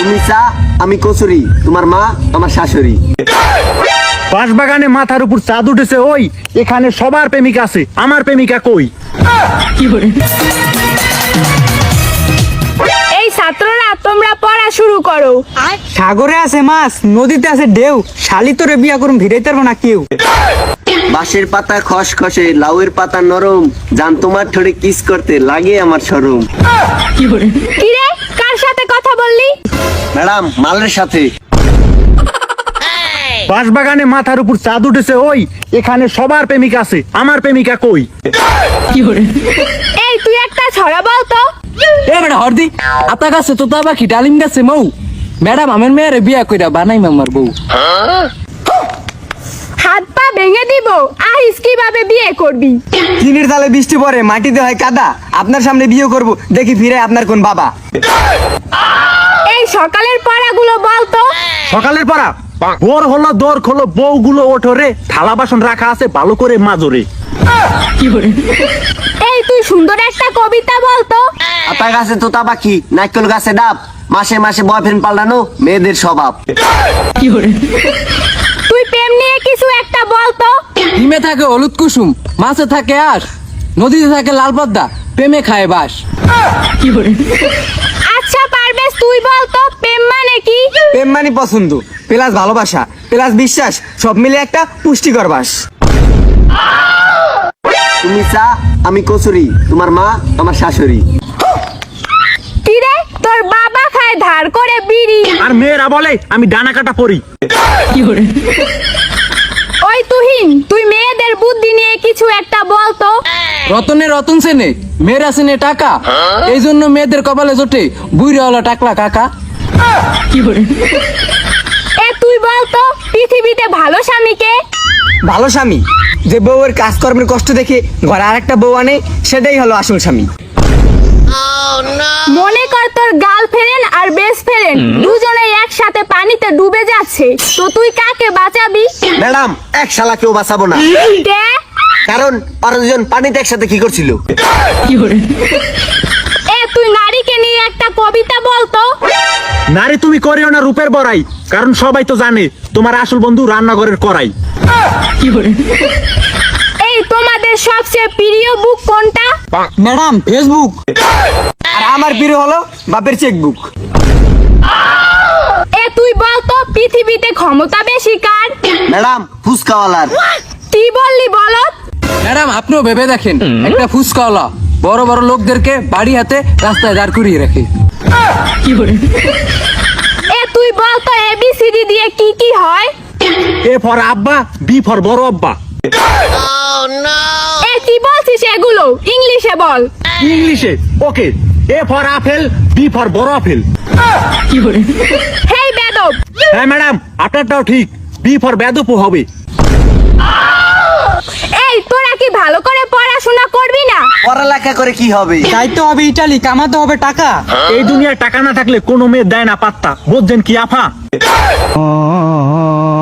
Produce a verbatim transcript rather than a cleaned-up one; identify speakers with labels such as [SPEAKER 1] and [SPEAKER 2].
[SPEAKER 1] তুমি চা আমি কচুরি, তোমার মা আমার শাশুড়ি।
[SPEAKER 2] বাঁশবাগানে মাথার উপর চাঁদ উঠেছে ওই, এখানে সবার প্রেমিকা আছে, আমার প্রেমিকা কই?
[SPEAKER 3] এই ছাত্ররা তোমরা পড়া শুরু করো।
[SPEAKER 4] সাগরে আছে মাছ, নদীতে আছে ঢেউ, শালি তোরে বিয়া করুম ভিড়াইতে পারবো না কেউ।
[SPEAKER 1] বাঁশের পাতা খসখসে, লাউয়ের পাতা নরম, জান তোমার ঠোঁটে কিস করতে লাগে আমার শরম।
[SPEAKER 3] কিরে, কার সাথে কথা বললি?
[SPEAKER 1] ম্যাডাম, মালের সাথে।
[SPEAKER 2] বাঁশবাগানে মাথার উপর চাঁদ উঠেছে ওই, এখানে সবার প্রেমিকা আছে, আমার প্রেমিকা কই?
[SPEAKER 3] এই তুই একটা ছড়া বল তো।
[SPEAKER 4] এ বেটা হরদি, আতা গাছে তোতা পাখি ডালিম গাছে মৌ, ম্যাডাম আমার মেয়েরে বিয়া কইরা বানাই মামার বউ।
[SPEAKER 3] হাত পা ভেঙে দিব, আহিস কিভাবে বিয়ে করবি?
[SPEAKER 4] চিনির তালে বৃষ্টি পড়ে, মাটিতে হয় কাদা, আপনার সামনে বিয়ে করব, দেখি ফিরে আপনার কোন বাবা।
[SPEAKER 3] এই সকালের পড়াগুলো বল তো।
[SPEAKER 2] সকালের পড়া? ভোর হলো দোর খোলো, বউগুলো ওঠো রে, থালা বাসন রাখা আছে ভালো করে মাজরে।
[SPEAKER 3] এই তুই সুন্দর একটা কবিতা বল তো।
[SPEAKER 1] আতা গাছে তোতা পাখি, নারকেল গাছে ডাব, মাসে মাসে বয়ফ্রেন্ড পাল্টানো মেয়েদের স্বভাব।
[SPEAKER 3] তুই প্রেম নিয়ে কিছু একটা বল তো।
[SPEAKER 4] ডিমে থাকে হলুদ কুসুম, মাছে থাকে আঁশ, নদীতে থাকে লাল পদ্মা, প্রেমে খায় বাস।
[SPEAKER 3] আচ্ছা পারবেশ, তুই বল তো প্রেম মানে কি?
[SPEAKER 4] প্রেম মানে পছন্দ, প্লাস ভালোবাসা, প্লাস বিশ্বাস, সব মিলে একটা পুষ্টিকর বাস।
[SPEAKER 1] তুমি চা আমি কচুরি, তোমার মা আমার শাশুড়ি।
[SPEAKER 3] কিরে, তোর বাবা খায় ধার করে বিড়ি,
[SPEAKER 2] আর মেয়েরা বলে আমি ডানা কাটা পড়ি।
[SPEAKER 3] ওই তুহিন, তুই মেয়েদের বুদ্ধি নিয়ে কিছু একটা বল তো।
[SPEAKER 4] রতনে রতন সেনে, মেয়েরা সেনে টাকা, এই জন্য মেয়েদের কপালে জোটে বুইরা হলো টাকলা কাকা।
[SPEAKER 3] এ তুই বল তো পৃথিবীতে ভালো স্বামীকে?
[SPEAKER 4] ভালো স্বামী যে বউয়ের কাজকর্মের কষ্ট দেখে ঘরে আরেকটা বউ আনে, সেটাই হলো আসল স্বামী।
[SPEAKER 3] মনে কর তোর গার্লফ্রেন্ড আর বেস্ট ফ্রেন্ড দুজনেই একসাথে পানিতে ডুবে যাচ্ছে, তো তুই কাকে বাঁচাবি?
[SPEAKER 1] ম্যাডাম, এক শালা কেউ বাঁচাবো না,
[SPEAKER 3] কে?
[SPEAKER 1] কারণ ওরা দুজন পানিতে একসাথে কি করছিল?
[SPEAKER 3] এ তুই নারীকে নিয়ে একটা কবিতা বল তো।
[SPEAKER 2] নারী তুমি করিও না রূপের বড়াই, কারণ সবাই তো জানে তোমার আসল বন্ধু রান্নাঘরের কড়াই।
[SPEAKER 3] এই তোমাদের সবচেয়ে প্রিয় বুক কোনটা?
[SPEAKER 4] ম্যাডাম ফেসবুক, আর আমার প্রিয় হলো বাপের চেকবুক।
[SPEAKER 3] এ তুই বল তো পৃথিবীতে ক্ষমতা বেশি কার?
[SPEAKER 1] ম্যাডাম, ফুসকাওয়ালার।
[SPEAKER 3] কি বললি বলত?
[SPEAKER 4] ম্যাডাম আপনিও ভেবে দেখেন, একটা ফুসকাওয়ালা বড় বড় লোকদেরকে বাড়ি হাতে রাস্তায় দাঁড় করিয়ে রাখে।
[SPEAKER 3] এ তুই বল তো এবিসিডি দিয়ে কি কি হয়?
[SPEAKER 2] এ ফর আব্বা, বি ফর বড় আব্বা।
[SPEAKER 3] এ কি বলছিস এগুলো? ইংলিশে বল।
[SPEAKER 2] ইংলিশে? Okay. A for apple, B for বড় আপেল।
[SPEAKER 3] হেই বেদব।
[SPEAKER 2] হ্যাঁ ম্যাডাম, আপনারটাও ঠিক, বি ফর বেদপু হবে।
[SPEAKER 3] এই তোরা কি ভালো করে পড়াশোনা করবি না?
[SPEAKER 1] পড়ালেখা করে কি হবে?
[SPEAKER 4] যাইতে হবে ইটালি, কামাতে হবে টাকা।
[SPEAKER 2] এই দুনিয়ায় টাকা না থাকলে কোনো মেয়ে দেয় না পাত্তা, বুঝছেন কি আফা?